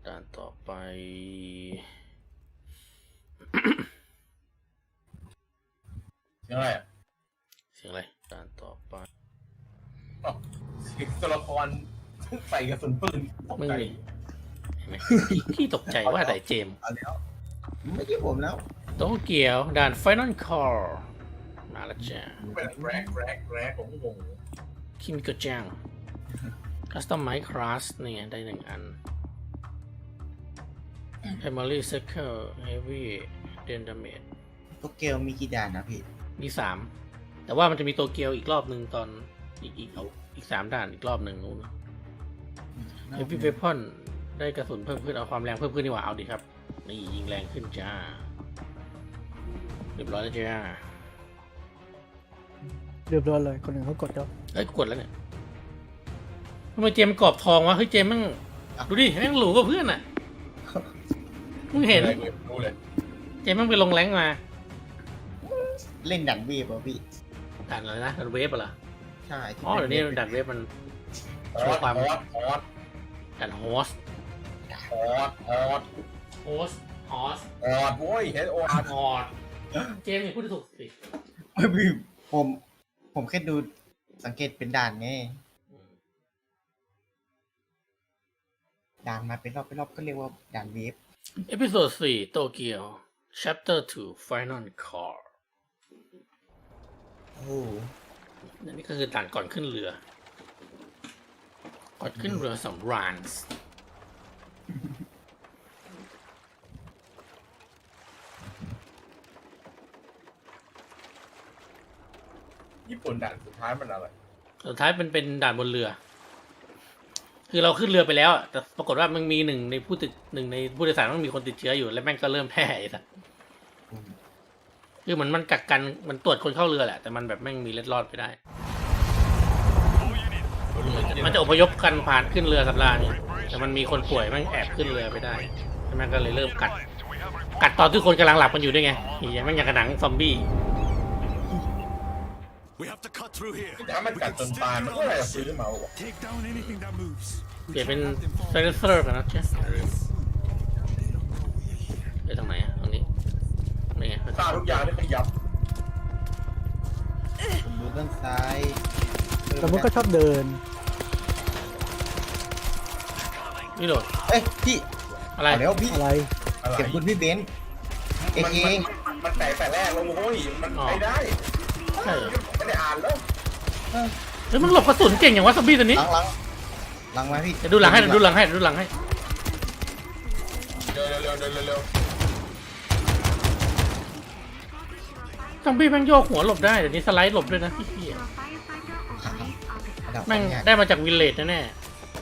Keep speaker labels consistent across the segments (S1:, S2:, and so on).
S1: ด่านต่อไป
S2: เสียงอะไรอ่ะ
S1: เสียงอะไรด่านต่อไป
S2: อ๋อเสียงตัวละครใส่กระสุนปืนตก
S1: มึง
S2: ใจ
S1: นี่เห็นไหมพี่ตกใจว่าไหนเจมส์
S2: เอาแล้ว
S3: ไม่ใช่ผมแล้ว
S1: โตเกียวด่าน Final Call มาแล้วจ้า
S2: เป็นแรกผมก็งง
S1: คิมิโกะจัง Customize Class นี่ไงได้1 อัน Primary Circle Heavy Deal Damage
S3: โตเกียวมีกี่ด่านนะพี่
S1: มี3แต่ว่ามันจะมีโตเกียวอีกรอบหนึ่งตอนอีก3 ด่านอีกรอบหนึ่งนู้น Heavy Weapon ได้กระสุนเพิ่มขึ้นเอาความแรงเพิ่มขึ้นดีกว่าเอาดิครับนี่ยิงแรงขึ้นจ้าเรียบร้อยแล้วจ้า
S4: เรียบร้อยเลยคนหนึ่งเขากดแล้ว
S1: เอ้ยกดแล้วเนี่ยทำไมเจมส์กรอบทองวะเฮ้ยเจมส์แม่งดูดิแม่งหรูกว่าเพื่อนอ่ะมึงเห็น
S2: รู้เลย
S1: เจมส์แม่งไปลงแรงมา
S3: เล่นด่านเวฟป่ะพี่
S1: ด่านอะไรนะด่านเวฟเหรอ
S3: ใช่ที่
S1: อ๋อเดี๋ยวนี้ด่านเวฟมันโชว์ความ
S2: ฮอต
S1: ด่านโฮส
S2: ฮอต
S1: โฮส
S2: โว้ยเฮดโออาร์
S1: ฮอสเจมส์นี่พูดถูกสิ
S3: ไม่พี่ผมแค่ดูสังเกตเป็นด่านไงด่านมาเป็นรอบก็เรียกว่าด่านเวฟ
S1: เอพิโซด4โตเกียว Chapter 2 Final Call
S3: โอ้
S1: อันนี้ก็คือด่านก่อนขึ้นเรือก่อนขึ้นเรือสำราญ
S2: ญี่ปุ่นด่านสุดท้ายมันอะไร
S1: สุดท้ายเป็นด่านบนเรือ คือเราขึ้นเรือไปแล้วอะแต่ปรากฏว่ามันมีหนึ่งในผู้โดยสารมันมีคนติดเชื้ออยู่แล้วแม่งก็เริ่มแพร่ไอ้สัสคือมันกักกันมันตรวจคนเข้าเรือแหละแต่มันแบบแม่งมีเล็ดรอดไปได้ มันจะอพยพกันผ่านขึ้นเรือสำราญนี่แต่มันมีคนป่วยแม่งแอบขึ้นเรือไปได้แล้วแม่งก็เลยเริ่มกัดตอนที่คนกำลังหลับกันอยู่ด้วยไงอย่างแม่งอย่างกระหนังซอมบี้
S5: We have to cut through here.
S2: ถ้ามันกัดจนตายมันก็อะไรซื้อมาวะ
S5: Take down anything that moves.
S1: เปลี่ยนเป็นไซเลนเซอร์กันนะเจ๊ไปตรงไหนอะตรงนี้นี่ไง
S2: ฆ่าทุกอย่างนี่ขยับ
S3: ผมดูด้านซ้าย
S4: แต่มันก็ชอบเดิน
S1: นี่โดด
S3: เอ้ยพี่
S1: อะไร
S3: เอาแล้วพี่
S4: อะไร
S2: อะไร
S3: เก็บคุณพี่เบนซ์เองเอง
S2: มันแตกแต่แรกแล้วโอ้ยมันไปได้
S1: ใช่เหรอ
S2: ไม่ได้อ่านแล้ว
S1: เฮ้ยมันหลบกระสุนเก่งอย่างวะซอมบี้ตัวนี้
S3: หลังมาพี่
S1: เดี๋ยวดูหลังให้เดี๋ยวดูหลังให้
S2: เร็ว
S1: ซอมบี้แม่งโยกหัวหลบได้เดี๋ยวนี้สไลด์หลบด้วยนะเหี้ยแม่งได้มาจากวิลเลจแน่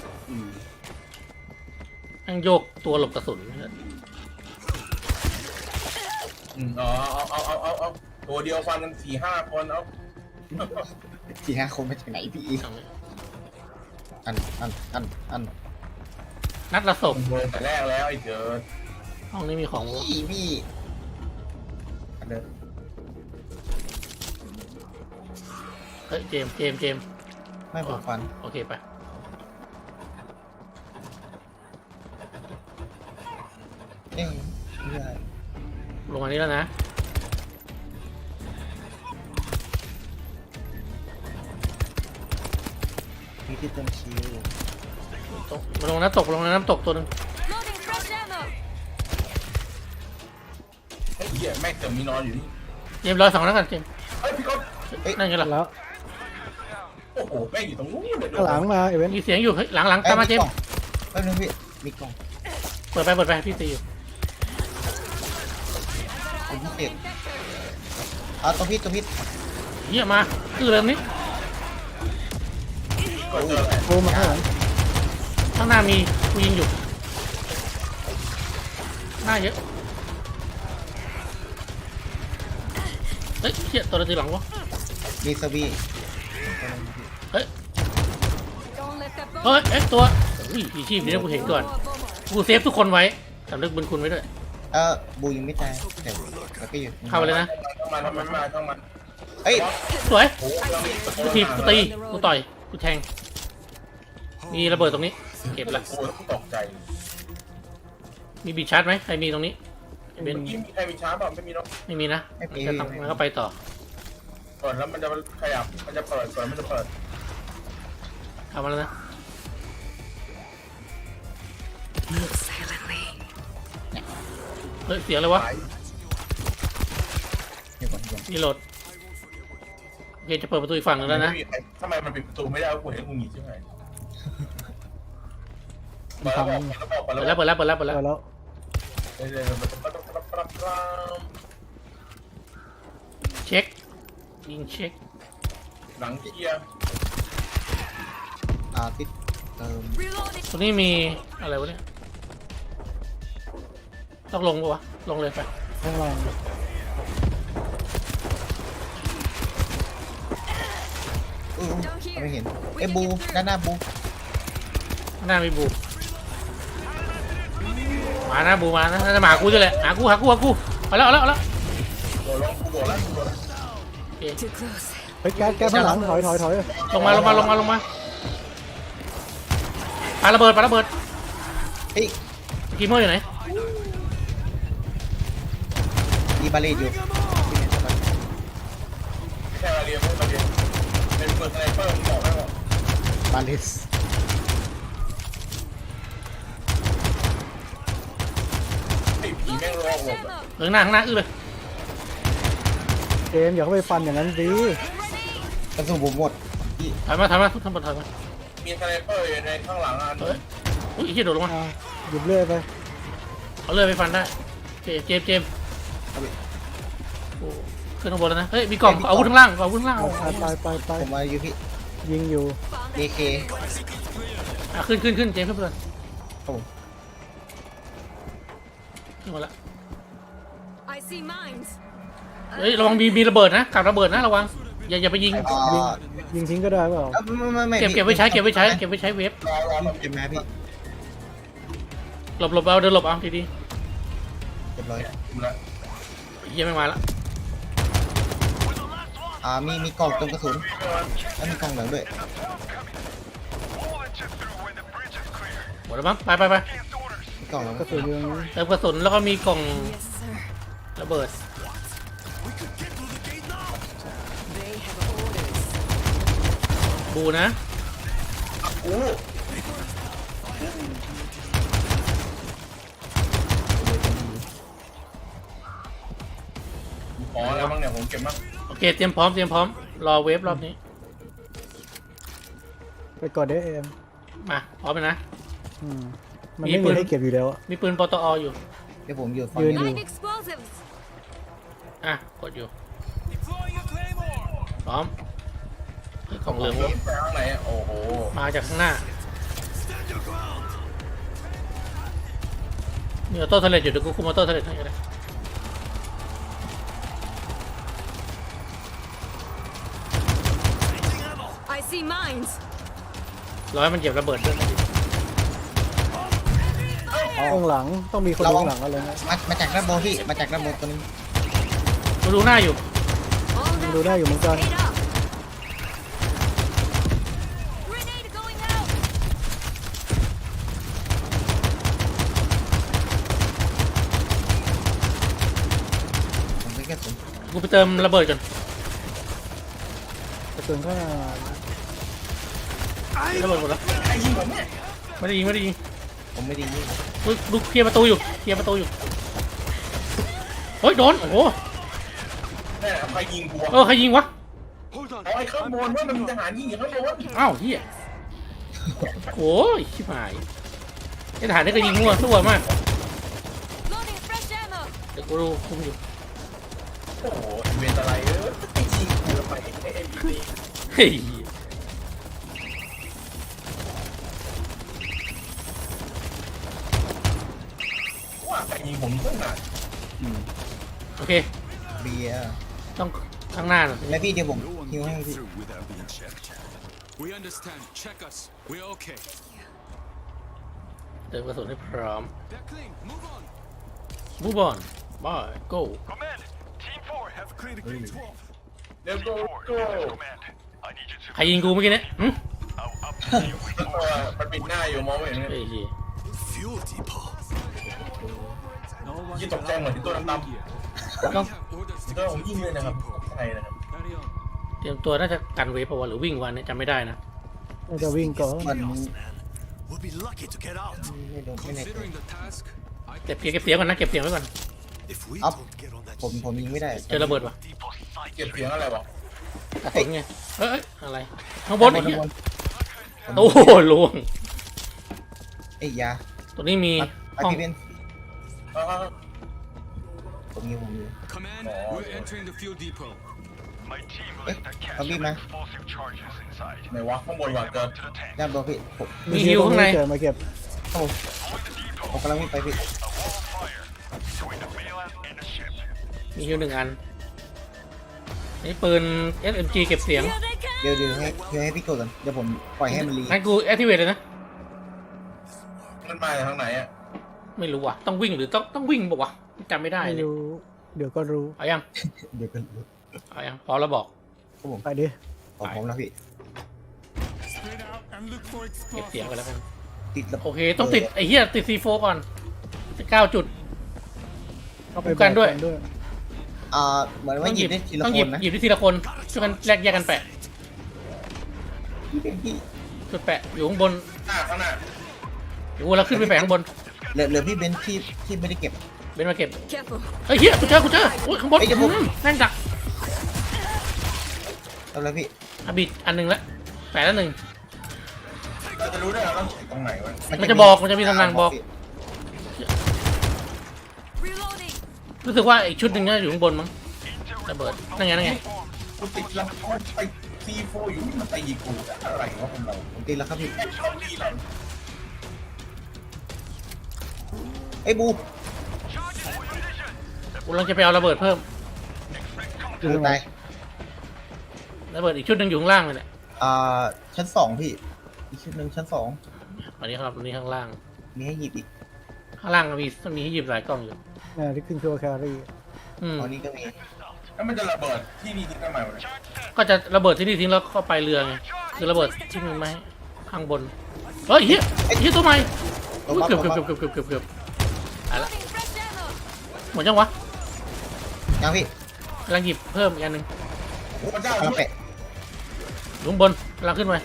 S1: ๆแม่งโยกตัวหลบกระสุน
S2: อ๋อเอาตัวเดียวฟันกัน4-5 คนเอา
S3: 4-5 คนมาจากไหนพี่อัน
S1: นัดละศพ
S2: โดนแต่แรกแล้วไอ้เจอ
S1: ห้องนี้มีของ
S3: พี่อันเดิม
S1: เฮ้ยเจมส์
S3: ไม่ผมฟัน
S1: โอเคไป
S3: เอ้ยไม่ได้
S1: ลงมานี้แล้วนะ
S3: มีที่เติมชิล
S1: ตกมาลงน้ำตกตัวหนึง
S6: Loading fresh ammo.
S2: ไอ้เหี้ยแม่งเติมมีนอนอยู่นี่
S1: เจมส์รอ2แล้วกันเจมส์
S2: เฮ้ยพี่ก๊อฟ
S1: นั่นไงล่ะ
S4: แล้ว
S2: โอ้โหแม่งอยู่ตรงนู้นเลย
S4: ข้างหลังมาเอเวนต์
S1: มีเสียงอยู่เฮ้ยหลังตามมาเจมส์
S3: แป๊บนึงพี่มีกล่อง
S1: เปิดไปพี่ตีอยู่
S3: เป็นพิเศษเอาตัวพี่
S1: เหี้ยมาคือเริ่มนี้
S2: ก็เจอแหละ
S4: โทรมาข้างหลัง
S1: ข้างหน้ามีกูยิงอยู่หน้าเยอะเฮ้ยเหี้ยตัวอะไรตีหลังวะ
S3: มีสวี
S1: เฮ้ย
S6: Don't let that boat.
S1: เฮ้ยตัวอุ้ยอีชีพนี้นะกูเห็นก่อนกูเซฟทุกคนไว้สำนึกบุญคุณไว้ด้วย
S3: บูยังไม่ตายแต่แล้วก็อยู่
S1: เข้าไปเลยนะ
S2: ต้องมัน
S3: เอ้ย
S1: สวย
S2: โอ้โหเรามี
S1: กูถีบกูตีกูต่อยกูแทงมีระเบิดตรงนี้เก็บละ
S2: โอ้ยตกใจ
S1: มีบีชาร์จไหมใครมีตรงนี้เบน
S2: เมื่อกี้มีใครมีช้าเปล่าไม่มีเนาะ
S1: ไม่มีนะมันก็ไปต่อ
S2: เปิดแล้วมันจะขยับมันจะเปิดมันจะเปิด
S1: ทำมาแล้วนะ
S6: Move silently.
S1: เฮ้ยเสียงอะไรวะ
S3: เดี๋ยวก่อน
S1: นี่โหลดโอเคจะเปิดประตูอีกฝั่งหนึงแล้วนะ
S2: ทำไมมันปิดประตูไม่ได้กูเห็นกูหนีใช่ไหมเปิดแล้ว
S1: เปิดแล้วเปิดแล้วเปิดแล้วเปิด
S4: ไป
S1: แล้ว
S4: แล้ว
S2: เดี๋ยวมันจะปั๊บ
S1: เช็คยิงเช็ค
S2: หลังเคลียร์
S3: ติดเติม
S6: Reloading.
S1: ตรงนี้มีอะไรวะเนี่ยต้องลงปะวะลงเลยไป
S4: ข้างล่าง
S3: ไม่เห็นเอ้บูด้านหน้าบู
S1: ข้างหน้ามีบูมานะบูมานะน่าจะมาหากูด้วยแหละหากูมาแล้ว
S2: โดดแล้วโดดแล้ว
S1: โอเค
S6: Too close.
S4: เฮ้ยแก๊สข้างหลังถอย
S1: ลงมาปาระเบิด
S3: เฮ้ย
S1: กีเมอร์อยู่ไหน
S3: มีบาเลตอยู่
S2: แค่เรียนไม่มาเรียนเป็นเปิดสไนเปอร์มึงบอกให้บอก
S3: บาเลต
S2: ไอ้ผีแม่งรอ
S6: Fresh
S2: หมด
S6: ammo.
S1: ข้างหน้าอื้อเลย
S4: เกมอย่าเข้าไปฟันอย่างนั้นดิ
S3: กระสุนผมหมด
S1: ถอยมาทุกท่านถอยมา
S2: มีสไนเปอร์อยู่ในข้างหลังอ่ะ
S1: เฮ้ยอุ้ยไอ้เหี้ยโดดลงมา
S4: หยิบเลื่อยไป
S1: เอาเลื่อยไปฟันได้โอเคเจมส์โอ้ขึ้นข้างบนแล้วนะเฮ้ยมีกล่องอาวุธข้างล่าง
S4: ไป
S3: ผมมาอยู่พี่
S4: ยิงอยู่
S3: AK
S1: ขึ้นเจมส์เพื่อน
S3: ครับผม
S1: ขึ้นมาละ
S6: I see mines.
S1: เฮ้ยระวังมีระเบิดนะกับระเบิดนะระวังอย่าไปยิง
S4: ยิงทิ้งก็ได้เปล่า
S3: ไม่
S1: เก็บไว้ใช้เวฟ
S2: รอ
S3: เก็บมาพี่
S1: หลบเอาเดินหลบเอาดี
S3: เรียบร้อย
S1: ๆเหี้ยไม่มาละ
S3: มีกล่องเติมกระสุนแล้วมีกล่องเหลืองด้วย
S1: หมดแล้วมั้งไป
S3: มีกล่องเหลือง
S4: กระสุนอยู่ตรงนี้
S1: เติมกระสุนแล้วก็มีกล่อง
S6: Yes, sir.
S1: ระเบิด
S6: They have orders.
S1: บูนะ
S2: กูขอแล้วมั้งเนี่ยผมเก็บมั้ง
S1: โอเคเตรียมพร้อมรอเวฟรอบนี้
S4: ไปก่อนเด้เอ็ม
S1: มาพร้อมเลยนะ
S4: มันไม่มีให้เก็บอยู่แล้ว
S1: มีปืนปตออยู่
S3: เดี๋ยวผมอยู่ฝั่ง
S4: ยืน
S3: นี้
S6: Nine explosives.
S1: กดอยู่พร้อมเฮ้ยกล่องเหลือง
S2: ไปข้างไหนโอ้โห
S1: มาจากข้างหน้ามีออโต้เทเลตอยู่เดี๋ยวกูคุมออโต้เทเลตให้ก็ได้
S6: I see mines.
S1: รอให้มันเหยียบระเบิดด้วย
S4: ข้างหลังต้องมีคนข้างหลังอะไรนะ
S3: มาจากด้านบนพี่มาจากด้านบนตัวนึง
S1: กูดูหน้าอยู่
S6: All
S4: ดูได้อยู่เหมือนกัน
S6: Stayed up. Grenade going out.
S3: ผมไม่กระสุน
S1: กูไปเติมระเบิดก่อน
S4: กระสุนข้างหน้า
S1: ระเบิดหมดแล้ว
S2: ไอ้ยิงผมเนี่ย
S1: ไม่ได้ยิง
S3: ผมไม่ได้ยิง
S1: อุ๊ยดูเคลียร์ประตูอยู่เฮ้ยโดนโอ้โห
S2: แม่ใครยิงกู
S1: ใครยิงวะ
S5: Hold on.
S2: เอาไอ้ข้างบนว่ามันมีทหารยิงอยู่ข้างบน
S1: อ้าวเฮียโอ้ยชิบหายไอ้ทหารนี่ก็ยิงมั่วซั่วมาก
S6: Loading fresh ammo.
S1: เดี๋ยวกูดูคุมอยู่
S2: โอ้โหเวนอะไรไอ้ยิงกูไปไอ้บี
S1: เฮ้ย
S2: ว่าใครยิงผมตั้งนาน
S1: โอเค
S3: เบียร์
S1: ต้องข้างหน้าหน่อย
S3: แล้วพี่เดี๋ยวผม
S5: No one
S3: ฮิวให้
S5: came
S3: พี่
S5: through without being checked. We understand. Check us. We're okay.
S1: เติมกระสุนให้พร้อม
S5: They're clean. Move on.
S1: บูบอลบอยโก้
S7: Command, Team 4 have cleared
S5: Green
S7: Green
S5: 12.
S2: เดี๋ยวกู
S7: 4. This is Command. I need you to.
S1: ใครยิงกูเมื่อกี้เนี่ย
S7: I'll update you with
S2: ตัวมันปิดหน้าอยู่มองไม่เห็น
S1: เฮ้ยเหี้ย
S5: Fuel depot. No one
S2: ยี่ตกใจเหมือนที่ตัวดำ
S5: here.
S1: ต้อง
S5: We have orders to
S2: ๆตัว
S5: get
S2: ผมยิงเลยนะครับใช่นะครับ
S5: Carry on.
S1: เตรียมตัวน่าจะกันเวฟปะวะหรือวิ่งวันนี้จำไม่ได้นะ
S4: น่าจะวิ่งก่อน
S3: มัน
S7: We'll be lucky to get out.
S3: ไม่รู้ไม่แน่ใจ
S5: Considering the task, I
S1: เก็บเสียงก่อนนะเก็บเสียงไว้ก่อน
S7: If we
S3: Up.
S7: don't get on that
S3: ผมยิงไม่ได้
S1: เจอระเบิดวะ
S7: depot site,
S2: เก็บเสียงอะไรวะ
S1: กระสุนไงเอ้ยอะไรข้างบนไอ้
S3: ข้าง
S1: เหี้ย
S3: บน
S1: โอ้โหลวง
S3: เอ้ยยา
S1: ตัวนี้มี
S3: อา
S1: ห้อง
S3: ร์ติเบน
S2: เอา
S3: ผมยิง
S5: command.
S2: Oh,
S5: We're
S2: yeah.
S5: entering the fuel depot.
S7: my team will
S3: Eh,
S7: lift a cache
S3: I'll be
S7: of
S3: back.
S7: explosive charges inside.
S2: ไหนวะข้างบนวะ
S7: Bring
S2: เกิ
S7: them
S2: ด
S7: up to the tank.
S3: ด้านบนพี่ผม
S1: มีฮิวข้างใน
S4: เกิดมาเก็บ
S3: ผมกำลังวิ่งไปพี่
S7: A wall of fire between the mainland and the ship.
S1: มีฮิวหนึ่งอันนี่ปืน SMG เก็บเสียง
S6: Here they come!
S3: เดี๋ยวให้พี่กดก่อนเดี๋ยวผมปล่อยให้มันรี
S1: งั้นกู activate เลยนะ
S2: มันมาจากทางไหนอ่ะ
S1: ไม่รู้ว่ะต้องวิ่งหรือต้องวิ่งบอกว่าวะจำไม่ได้
S4: ไม่
S1: เลย
S4: รู้เดี๋ยวก็รู้
S1: เอายัง
S3: เดี๋ยวกัน
S1: เอายังพอแล้วบอก
S3: ครับผม
S4: ไปดิ
S3: ของผมแล้วพี่
S5: Spread out and look for
S1: เก็บเสียง
S5: explosives.
S1: ไปแล้วกัน
S3: ติดระ
S1: โอเคต้องติดไอ้เหี้ยติด C4 ก่อน9 จุด
S4: เข้าไป
S1: ป้องกันด้วย
S3: เหมือนว่าหยิบได้ทีละ
S1: ต้อง
S3: ค
S1: หยิบ
S3: นนะ
S1: หยิบได้ทีละคนช่วยกันแลกแยกกันแปะ
S3: พี่เป็นพี่
S1: จุดแปะอยู่ข้างบน
S2: ข้างหน้า
S1: อยู่เราขึ้นไปแปะข้างบน
S3: เหลือพี่เบนที่ไม่ได้เก็บ
S1: เบนมาเก็บ
S6: Careful.
S1: เฮ้ยเฮียกูเจออุ้ยข้างบน
S3: เฮ้ยเดี๋ยวผม
S1: แม่งดัก
S3: เอาแล้วพี่
S1: อ่ะบิดอันหนึ่งละแปะแล้วหนึ่ง
S2: เราจะรู้ได้ไงว่าตรงไหนวะ
S1: มันจะบอกมันจะมีตำแหน่งบอก
S6: Reloading.
S1: รู้สึกว่าอีกชุดหนึ่งน่าจะอยู่ข้างบนมั้งระเบิดนั่นไง
S2: กูติดแล้วไปซีโฟอยู่นี่มันตีกูอะไรวะคนเรา
S3: ผมตีแล้วครับพี่
S2: แค่ชอบดีหลัง
S3: ไอ้ยบู
S1: กูกำลังจะไปเอาระเบิดเพิ่ม
S4: อยู่ตรงไหน
S3: ตาย
S1: ระเบิดอีกชุดหนึ่งอยู่ข้างล่างเลยเนี่ย
S3: ชั้น 2พี่อีกชุดหนึ่งชั้น
S1: อันนี้ครับอันนี้ข้างล่าง
S3: 2มีให้หยิบอีก
S1: ข้างล่างมีให้หยิบหลายกล้องอยู่
S4: ที่ขึ้นตัวแครี่
S1: อืม
S3: ตอนนี้ก็มี
S2: แล้วมันจะระเบิดที่นี่ทิ้งทำไมวะเนี่ย
S1: ก็จะระเบิดที่นี่ทิ้งแล้วเข้าไปเรือไงคือระเบิดที่มันไม่ข้างบนเฮ้ยเฮียตัวใหม่
S3: ลง
S1: อุ๊ย
S3: มา
S1: เกือบ
S3: ลงมา
S1: เกือบอะไรละ
S6: Loading fresh ammo.
S1: หมดยังวะ
S3: ยังพี่
S1: กำลังหยิบเพิ่มอีกอันหนึ่ง
S2: พระเจ้า
S3: เอาแปะ
S1: อยู่ข้างบนกำลังขึ้นไป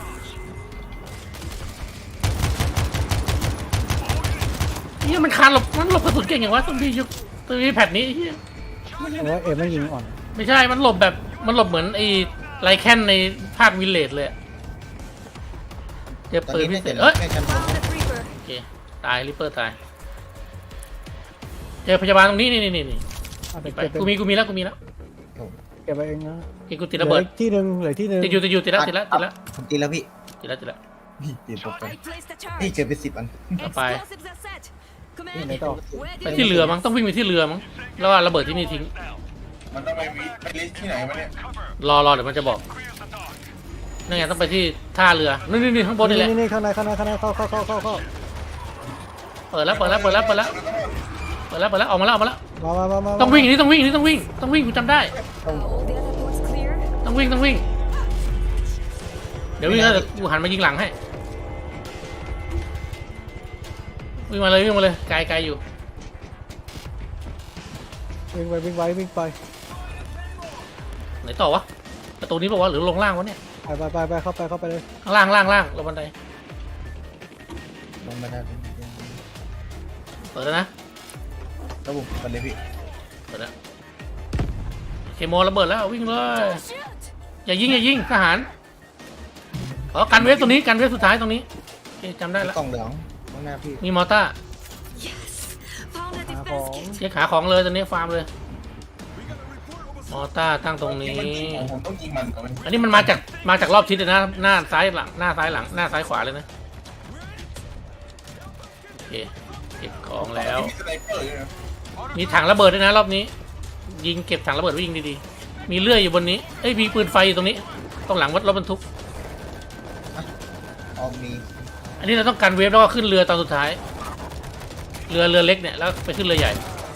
S1: เฮียมันคานหลบกระสุนเก่งอย่างวะตัวนี้แพทนี้เฮีย
S4: เพราะว่าเอ็มไม่ยิงอ่อน
S1: ไม่ใช่มันหลบเหมือนไอ้ไลแคนในภาควิลเลจเลยอะเจอ
S3: ตอน
S1: ปืน
S3: นี้
S1: พิ
S3: ไม่
S1: เศ
S3: เสร็จ
S1: ษ
S3: แล้วแค่ชั้น
S6: Found the creeper.
S1: โอเคตายริปเปอร์ตายเจอพยาบาลตรงนี้นี่
S4: อ่ะ
S1: ไป
S4: เก็บไป
S1: กูมีแล้ว
S4: เก็บไปเองนะ
S1: เฮ้ยกูติดระเบิด
S4: หลืออีกที่หนึ่งเหลือที่หนึ่ง
S1: ติดอยู่ติดแล้ว
S3: ผมตีแล้วพี่
S1: ติดแล้ว
S3: พี่ตีผมไป
S6: I placed the
S3: พี่
S6: charge.
S3: เจอไป10 อัน
S1: ต่อไป
S6: Explosives are set.
S4: ที่ไหน
S6: Command.
S4: ต่อ
S6: Where
S1: ไป
S6: do
S1: ที่
S6: you
S1: เรือมั้งต้องวิ่งไปที่เรือมั้งแล้วว่าระเบิดที่นี่ทิ้ง
S2: มันต้องไปลิสต์ที่ไหนวะเนี่ย
S1: รอเดี๋ยวมันจะบอกนั่นไงต้องไปที่ท่าเรือนี่ข้างบนนี่แหละ
S4: นี่ข้างในเข้า
S1: เปิดแล้วออกมาแล้ว
S4: มา
S1: ต้องวิ่งนี่ต้องวิ่งกูจำได้
S6: Are all the other ports clear?
S1: ต้องวิ่งเดี๋ยววิ่งแล้วเดี๋ยวกูหันมายิงหลังให้วิ่งมาเลยไกลอยู่
S4: วิ่งไป
S1: ไหนต่อวะประตูนี้บอกว่าวะหรือลงล่างวะเนี่ย
S4: ไปเข้าไปเลย
S1: ข้างล่างลงบันได
S3: ลงมาได้
S1: เปิดแล้วนะ
S3: ระบบกันเลยพี่
S1: เปิดแล้วเคมอระเบิดแล้ววิ่งเลย
S6: Shoot!
S1: อย่ายิงทหารกันเวฟตรงนี้กันเวฟสุดท้ายตรงนี้โอเคจำได้แล้ว
S3: กล่องเหลืองข้างหน้าพี่
S1: มีมอต้า
S6: Yes! Found a
S4: หาข
S6: defense
S4: อง
S6: kit.
S1: เช็คหาของเลยตอนนี้ฟาร์มเลยมอต้าตั้งตรงนี้
S2: ผมต้องยิงมันก่อน
S1: อันนี้มันมาจากรอบทิศเลยนะหน้าซ้ายหลังหน้าซ้ายขวาเลยนะโอเคเก็บของแล้ว
S2: มีสไนเปอร์อยู่นะ
S1: มีถังระเบิดด้วยนะรอบนี้ ยิงเก็บถังระเบิดไว้ยิงดีๆมีเลื่อยอยู่บนนี้มีปืนไฟอยู่ตรงนี้ตรงหลังรถบรรทุก
S3: มี
S1: อันนี้เราต้องการเวฟแล้วก็ขึ้นเรือตอนสุดท้าย เรือเล็กเนี่ยแล้วไปขึ้นเรือใหญ่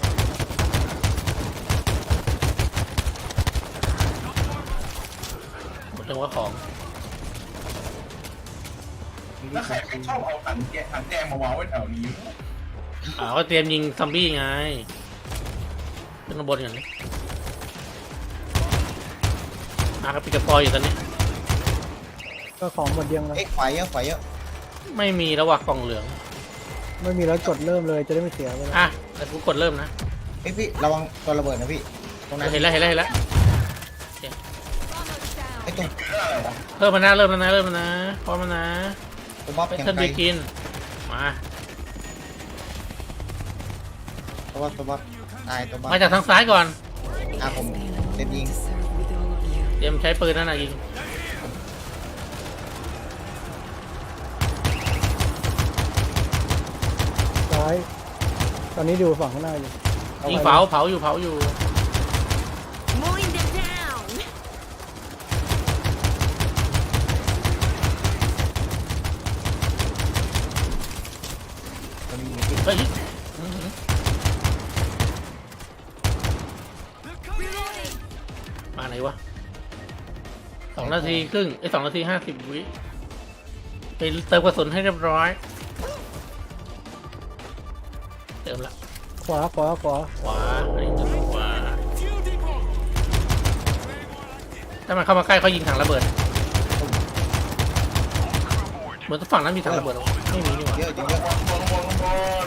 S1: หมดจังหวะของ
S2: แล้วใครชอบเอาถังแกงมาวางไว้แถวนี้
S1: ก็เตรียมยิงซอมบี้ไงขึ้นข้างบนอย่างนี้ก็ปิดกระปอยอยู่ตอนนี้
S4: ก็ของหมดยังเลย
S3: เอ้ยขวาเยอะขวาเยอะ
S1: ไม่มีแล้วว่ะกล่องเหลือง
S4: ไม่มีแล้วกดเริ่มเลยจะได้ไม่เสียเวลา
S1: แต่กูกดเริ่มนะ
S3: เอ้ยพี่ระวังตัวระเบิดนะพี่ตรงนั้น
S1: เห็นแล้ว
S6: Bombers down.
S3: ไอ้ตรง
S1: เพิ่มมานะเริ่มแล้วนะพร้อมแล้วนะ
S3: ตัวบ๊อบ
S1: ไป
S3: ยัง
S1: เทิร์น
S3: ไกล
S1: บีกินมา
S3: ตัวบ๊อบตายตัวบ๊อบ
S1: มาจากทางซ้ายก่อน
S3: ผมเต็มยิง
S6: To serve with all of you.
S1: เตรียมใช้ปืนนั่นน่ะยิง
S4: ซ้ายตอนนี้ดูฝั่งข้างหน้าอยู่
S1: ยิงเผาอยู่
S6: Mowing them down.
S3: ตัวนี้ยิงพี่
S1: เฮ้ย
S6: Reloading.
S1: มาไหนวะ2 นาทีครึ่ง2 นาที 50 วิไปเติมกระสุนให้เรียบร้อยเติมละ
S4: ขวา
S1: ขวาอันนี้จะขวาถ้ามันเข้ามาใกล้เขายิงถังระเบิดเหมือนฝั่งนั้นมีถังระเบิดหรอไม่มีนี่หว่า
S3: เยอะจริงเยอะ
S2: บน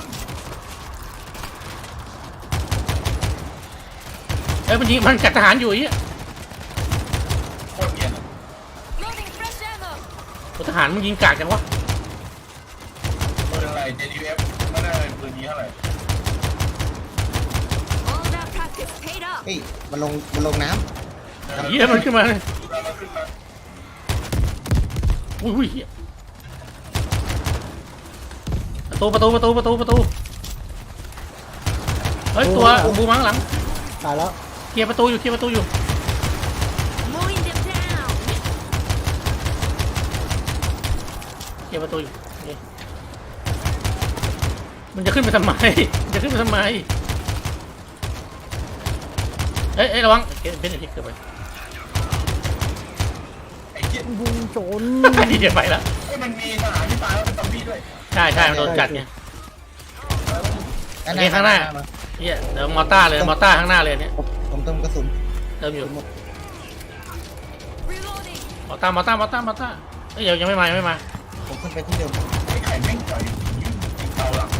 S1: มันยิงมันจัดทหารอยู่ไอ้เหี้ย
S2: โคตรเกลียด
S6: Loading fresh ammo.
S1: ทหารมึงยิงกากจังวะ
S2: ปืนอะไร JDF ไม่ได้ปืนนี้เท่าไหร่
S6: All that practice paid off.
S3: เฮ้ยมันลงน้ำ
S1: เหี้ยมันขึ้นมาเลย
S2: มาขึ้นมา
S1: อุ้ยเหี้ยประตูเฮ้ยตัวบูมังหลัง
S4: ตายแล้ว
S1: เคลียร์ประตูอยู่
S6: Mowing them down.
S1: เคลียร์ประตูอยู่นี่มันจะขึ้นไปทำไมเอ้ยระวังเป็นอะไรเกิดไป
S2: ไอ้เหี้ย
S4: บุงโจร
S1: เดี๋ยวไปละ
S2: ไอ้มันมีทหารที่ตายแล้วเป็นซอมบี้ด้วย
S1: ใช่มันโดนกัดไง
S3: ด้
S1: นี่ข้างหน้า เหี้ยเดี๋ยวมอต้าข้างหน้าเลยเนี่ย
S3: ผมเติมกระสุน
S1: เติมอยู่
S6: Reloading.
S1: มอต้าเอ้ยยังไม่มา
S3: ผมขึ้นไปที่เดิม
S2: ไอ้ไข่แม่งต่อยยิงเตาหลัง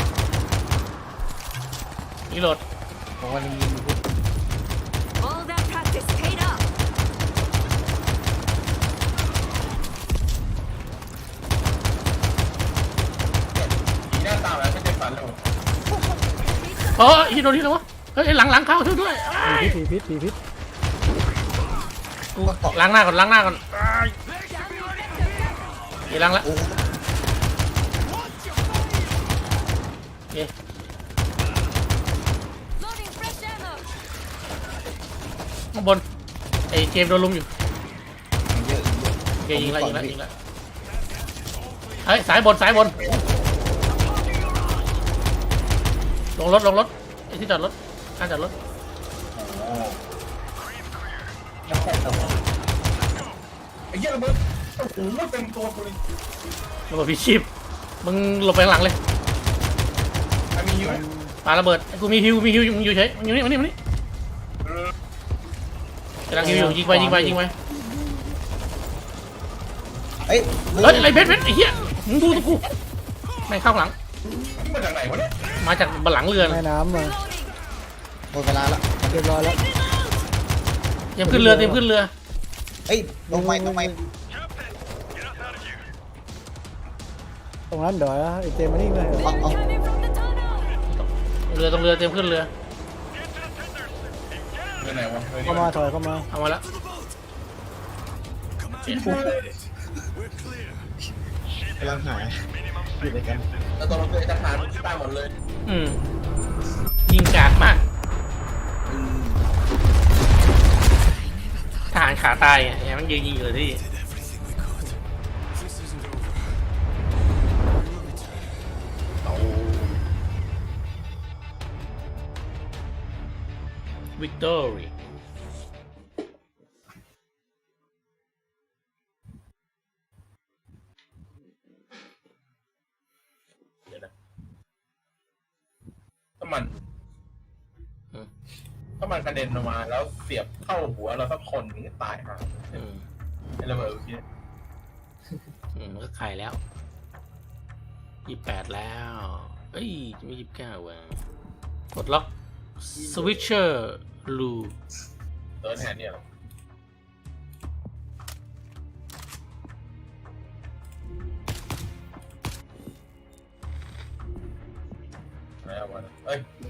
S1: นี่โหลด
S3: ผมว่ายิงอยู่พี่
S6: All that practice paid off.
S2: หน้าตาแล้วไม่ได้ฝันเลย
S1: ฮิโดนที่ไหนวะเฮ้ยหลังเข้าช่วยด้วย
S4: ผีพิษ
S1: กูล้างหน้าก่อนเดี๋ยวล้างละ
S3: โอ้
S1: โอเค
S6: Loading fresh ammo.
S1: ข้างบนไอ้เจมส์โดนลุมอยู่
S3: เยอะ
S1: โอเคยิงละเฮ้ยสายบนลงรถไอ้ที่จอดรถข้างจอดรถ
S2: ไอ้เหี้ยระเบิดโอ้โหเต็มตัวกูเลย
S1: ระเบิดพิชิปมึงหลบไปข้างหลังเลย
S2: ไอ้มีอยู่ไหม
S1: ปาระเบิดกูมีฮิวมึงอยู่เฉยมึงอยู่นี่กำลังฮิวอยู่ยิงไป
S3: เฮ้ย
S1: เฮ้ยอะไรเพชรไอ้เหี้ยมึงดูตัวกูไม่เข้าหลัง
S2: นี่มาจากไหนวะเนี่ย
S1: มาจากบนหลังเรือ
S4: แม่น้ำมา
S6: Reloading.
S3: หมดเวลาแล้ว
S4: เรียบร้อยแล้ว
S1: เตรียมขึ้นเรือ
S3: เฮ้ยลงไป
S7: Captain, get us out of here.
S4: ตรงนั้นเดี๋ยวไอ้เจมมานี่เลย
S6: Men coming from the tunnel.
S1: ตรงเรือเตรียมขึ้นเรือ
S2: เรื่องไหนวะ
S4: เข้ามาถอยเข้ามา
S1: เอามาแล้ว
S3: กำลังหาอยู่ด้วยกัน
S2: แล้วตอนเราเจอทหารที่ตายหมดเลย
S1: ยิงกากมากทหารขาตายไงมันยืนยิงอยู่ที่
S5: This isn't over.
S1: Victory
S2: มัน
S1: อืม
S2: ถ้ามันกระเด็นออกมา แล้วเสียบเข้าหัวเราสักคนนึงก็ตายห่า
S1: อืม
S2: ไอ้ระเบิดเมื่อกี้
S1: มันก็ไข่แล้ว28แล้ว เอ้ยจะไม่29ว่ะกดล็อกสวิตเชอร์ลู
S2: เติร์ดแฮนด์เนี่ยหรออะไรเอาวะเอ้ย